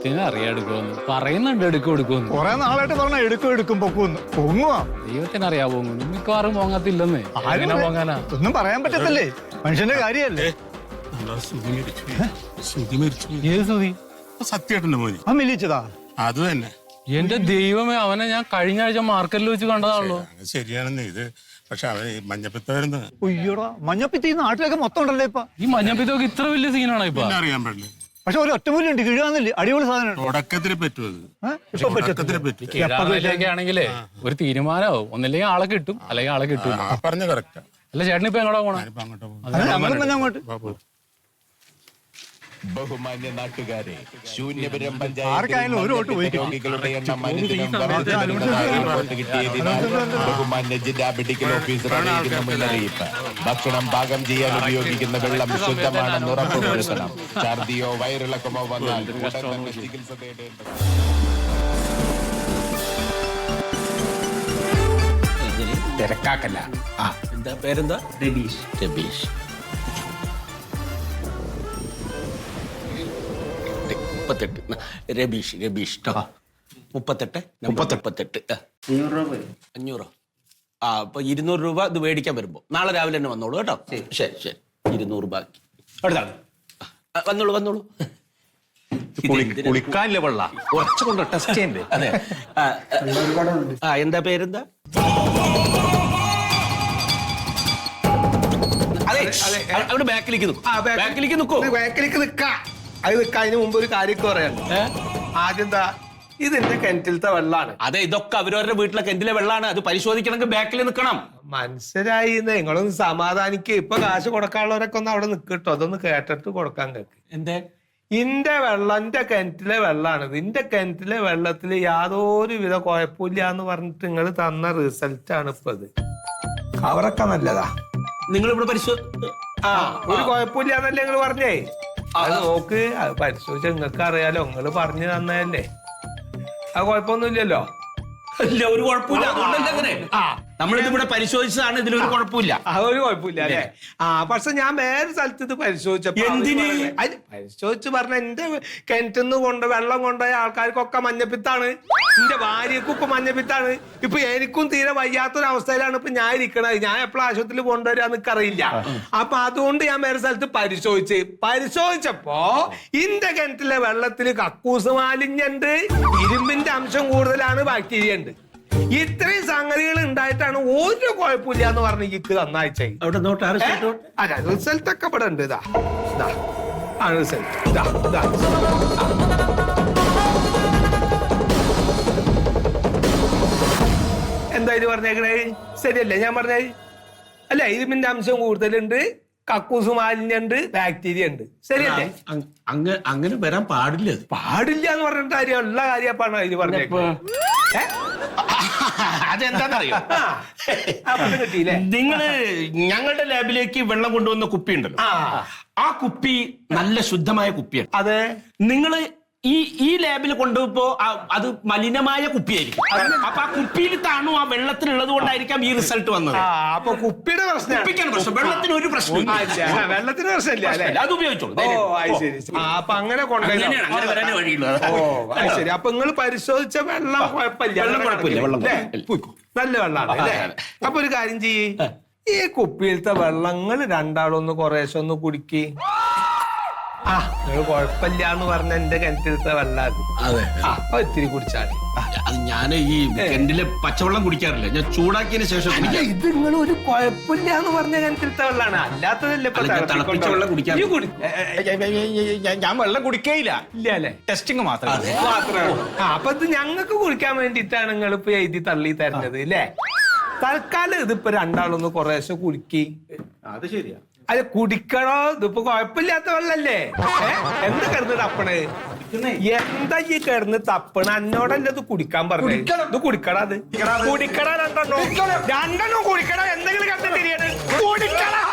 അറിയാടുക്കുമെന്ന് പറയുന്നുണ്ട്, എടുക്കുമെന്ന് കൊറേ നാളായിട്ട് പറഞ്ഞ എടുക്കും പൊങ്ങുവാ. ദൈവത്തിനറിയാ പോകുന്നു, മിക്കവാറും പോങ്ങത്തില്ലെന്ന്. പോങ്ങാനാ ഒന്നും പറയാൻ പറ്റത്തില്ലേ, മനുഷ്യന്റെ കാര്യല്ലേ. ഏത് സുതി? സത്യേട്ടന്റെ മോനി ആ മില്ലിച്ചതാ? അത് തന്നെ. എന്റെ ദൈവമേ, അവനെ ഞാൻ കഴിഞ്ഞ ആഴ്ച മാർക്കറ്റിൽ വെച്ച് കണ്ടതാണല്ലോ. ശരിയാണെന്ന് ഇത്, പക്ഷെ അവൻ മഞ്ഞപ്പിത്ത വരുന്നത്. ഒയ്യോടാ, മഞ്ഞപ്പിത്തി ഈ നാട്ടിലൊക്കെ മൊത്തം ഉണ്ടല്ലേ ഇപ്പൊ. ഈ മഞ്ഞപ്പിത്തൊക്കെ ഇത്ര വലിയ സീനാണോ ഇപ്പൊ? അറിയാൻ പാടില്ല. പക്ഷെ ഒരു ഒറ്റമൂലുണ്ട്, കിഴുകാന്നില്ലേ, അടിപൊളി സാധനം. തുടക്കത്തിൽ പറ്റും ആണെങ്കിലേ ഒരു തീരുമാനമാവും. ഒന്നില്ലെങ്കിൽ ആളെ കിട്ടും, അല്ലെങ്കിൽ ആളെ കിട്ടും. പറഞ്ഞ കറക്റ്റാ. അല്ല ചേട്ടൻ ഇപ്പൊ എങ്ങോട്ടാ പോണേ? അങ്ങോട്ട് ബഹുമാന്യ നാട്ടുകാരെ, ശൂന്യപുരം ആർക്കായാലും ഒരു വോട്ട് പോയി. രോഗികളുടെ എണ്ണം അനുദിനം വർദ്ധിച്ചുവരുന്നതായി റിപ്പോർട്ട് കിട്ടിയതിനാൽ ബഹുമാന്യ ജില്ലാ മെഡിക്കൽ ഓഫീസറുടെ മുന്നറിയിപ്പ്. ഭക്ഷണം പാകം ചെയ്യാൻ ഉപയോഗിക്കുന്ന വെള്ളം ശുദ്ധമാണെന്ന് ഉറപ്പുവരുത്തണം. ഛർദിയോ വയറിളക്കമോ വന്നാൽ ഉടൻ തന്നെ ചികിത്സ തേടേണ്ടത്. തിരക്കാക്കല്ല. എന്താ പേരെന്താ? രബീഷ്. രബീഷ് 38. രബീഷ് 38. 500. അപ്പൊ 200 രൂപ ഇത് മേടിക്കാൻ വരുമ്പോ നാളെ രാവിലെ തന്നെ വന്നോളൂ കേട്ടോ. ശരി 200 ബാക്കി. വന്നോളൂ. കുളിക്കാനില്ല വെള്ള കുറച്ച് കൊണ്ട് ടെസ്റ്റ് ചെയ്യണ്ടേ? അതെ. എന്താ പേരെന്താ? അവിടെ ബാക്കിലേക്ക് നിൽക്കോ? അത് അതിന് മുമ്പ് ഒരു കാര്യമൊക്കെ പറയാനുണ്ട്. ആദ്യം എന്താ, ഇത് എന്റെ കിണറ്റിലത്തെ വെള്ളാണ്. അതെ, ഇതൊക്കെ അവരവരുടെ വീട്ടിലെ കിണറ്റിലെ വെള്ളാണ്. അത് പരിശോധിക്കണമെങ്കിൽ ബാക്കിൽ നിൽക്കണം. മനസ്സിലായി, നിങ്ങളൊന്ന് സമാധാനിക്ക്. ഇപ്പൊ കാശ് കൊടുക്കാനുള്ളവരൊക്കെ ഒന്ന് അവിടെ നിൽക്കട്ടോ, അതൊന്ന് കേട്ടിട്ട് കൊടുക്കാൻ കേക്ക്. എന്തേ? ഇന്റെ വെള്ളം എന്റെ കിണറ്റിലെ വെള്ളാണ്. ഇന്റെ കിണറ്റിലെ വെള്ളത്തിൽ യാതൊരു വിധ കുഴപ്പമില്ല എന്ന് പറഞ്ഞിട്ട് നിങ്ങൾ തന്ന റിസൾട്ട് ആണ് ഇപ്പൊ ഇത്. അവരൊക്കെ നല്ലതാ. നിങ്ങൾ ഇവിടെ ഒരു കുഴപ്പമില്ല എന്നല്ലേ നിങ്ങൾ പറഞ്ഞേ? അത് നോക്ക്, അത് പരിശോധിച്ച നിങ്ങൾക്ക് അറിയാലോ, നിങ്ങൾ പറഞ്ഞു തന്നതല്ലേ. അത് കുഴപ്പമൊന്നുമില്ലല്ലോ. ഇല്ല, ഒരു കുഴപ്പമില്ല. അങ്ങനെ നമ്മളിത് ഇവിടെ പരിശോധിച്ചതാണ്, ഇതിലൊരു കുഴപ്പമില്ല. അതൊരു കുഴപ്പമില്ല അല്ലേ? പക്ഷെ ഞാൻ വേറെ സ്ഥലത്ത് ഇത് പരിശോധിച്ചപ്പോ പരിശോധിച്ച് പറഞ്ഞ എന്റെ കിണറ്റിന്ന് വെള്ളം കൊണ്ടുപോയ ആൾക്കാർക്കൊക്കെ മഞ്ഞപ്പിത്താണ്. എന്റെ ഭാര്യക്കും ഇപ്പൊ മഞ്ഞപ്പിത്താണ്. ഇപ്പൊ എനിക്കും തീരെ വയ്യാത്തൊരവസ്ഥയിലാണ് ഇപ്പൊ ഞാൻ ഇരിക്കണത്. ഞാൻ എപ്പോഴും ആശുപത്രിയിൽ കൊണ്ടുവരാന്ന് എനിക്കറിയില്ല. അപ്പൊ അതുകൊണ്ട് ഞാൻ വേറെ സ്ഥലത്ത് പരിശോധിച്ചപ്പോ ഇന്റെ കിണറ്റിലെ വെള്ളത്തിൽ കക്കൂസ് മാലിന്യുണ്ട്, ഇരുമ്പിന്റെ അംശം കൂടുതലാണ്, ബാക്ടീരിയ ഉണ്ട്. ഇത്രയും സംഗതികൾ ഉണ്ടായിട്ടാണ് ഒരു കുഴപ്പമില്ല എന്ന് പറഞ്ഞ് ഇക്ക് നന്നാഴ്ച. റിസൾട്ട് ഒക്കെ ഇവിടെ ഉണ്ട്. ഇതാ റിസൾട്ട്. എന്താ ഇത് പറഞ്ഞേക്കണേ? ശരിയല്ലേ ഞാൻ പറഞ്ഞേ? അല്ല, ഇരുമ്പിന്റെ അംശം കൂടുതലുണ്ട്, കക്കൂസ് മാലിന്യുണ്ട്, ബാക്ടീരിയ ഉണ്ട്. ശരിയല്ലേ? അങ്ങനെ വരാൻ പാടില്ല എന്ന് പറഞ്ഞിട്ട് കാര്യം ഉള്ള കാര്യപ്പാണ് ഇത് പറഞ്ഞേക്കുന്നത്. അതെന്താന്നറിയോ? നിങ്ങള് ഞങ്ങളുടെ ലാബിലേക്ക് വെള്ളം കൊണ്ടുവന്ന കുപ്പി ഉണ്ടല്ലോ, ആ കുപ്പി നല്ല ശുദ്ധമായ കുപ്പിയാണ്. അതെ. നിങ്ങള് ഈ ലാബിൽ കൊണ്ടുപോ അത് മലിനമായ കുപ്പിയായിരിക്കും. അപ്പൊ ആ കുപ്പിയിൽ താണു ആ വെള്ളത്തിനുള്ളത് കൊണ്ടായിരിക്കാം ഈ റിസൾട്ട് വന്നത്. അപ്പൊ കുപ്പിയുടെ പ്രശ്നം, വെള്ളത്തിന് ഒരു പ്രശ്നം, വെള്ളത്തിന് പ്രശ്നമില്ല അല്ലെ? അത് ഉപയോഗിച്ചോളൂ. അപ്പൊ അങ്ങനെ വരാനേ വഴിയുള്ളൂ. ശരി. അപ്പൊ നിങ്ങൾ പരിശോധിച്ച വെള്ളം കുഴപ്പമില്ല, നല്ല വെള്ളമാണ് അല്ലേ? അപ്പൊ ഒരു കാര്യം ചെയ്യ്, ഈ കുപ്പിയിലത്തെ വെള്ളങ്ങൾ രണ്ടാളൊന്ന് കുറേശ്ശെ ഒന്ന് കുടിക്ക്. നിങ്ങൾ കുഴപ്പമില്ല എന്ന് പറഞ്ഞ എന്റെ കിണറ്റിലത്തെ വെള്ളം അപ്പൊ ഇത്തിരി കുടിച്ചാൽ. അത് ഞാൻ ഈ കിണറ്റിലെ പച്ചവെള്ളം കുടിക്കാറില്ല, ഞാൻ ചൂടാക്കിയതിന് ശേഷം. ഇത് നിങ്ങൾ ഒരു കുഴപ്പമില്ല എന്ന് പറഞ്ഞ കിണറ്റിലത്തെ വെള്ളമാണ്, അല്ലാത്തതല്ലേ തിളപ്പിച്ച വെള്ളം കുടിക്കാൻ. ഞാൻ വെള്ളം കുടിക്കേയില്ല. ഇല്ല അല്ലെ? ടെസ്റ്റിംഗ് മാത്രമേ. അപ്പൊ ഇത് ഞങ്ങൾക്ക് കുടിക്കാൻ വേണ്ടിയിട്ടാണ് നിങ്ങൾ ഇപ്പൊ എഴുതി തള്ളി തരുന്നത് അല്ലേ? തൽക്കാലം ഇതിപ്പോ രണ്ടാളൊന്ന് കുറേശ്ശെ കുടിക്കി. അത് ശരിയാ. അത് കുടിക്കണോ? ഇതിപ്പോ കുഴപ്പമില്ലാത്ത വെള്ളല്ലേ? എന്താ കിടന്ന് തപ്പണേ? എന്താ ഈ കിടന്ന് തപ്പണ? എന്നോടല്ലേ ഇത് കുടിക്കാൻ പറഞ്ഞു? ഇത് കുടിക്കടാ, അത് കുടിക്കടാ. രണ്ടെണ്ണം കുടിക്കടാ. എന്തെങ്കിലും കണ്ടു തിരിയണ കുടിക്കടാ.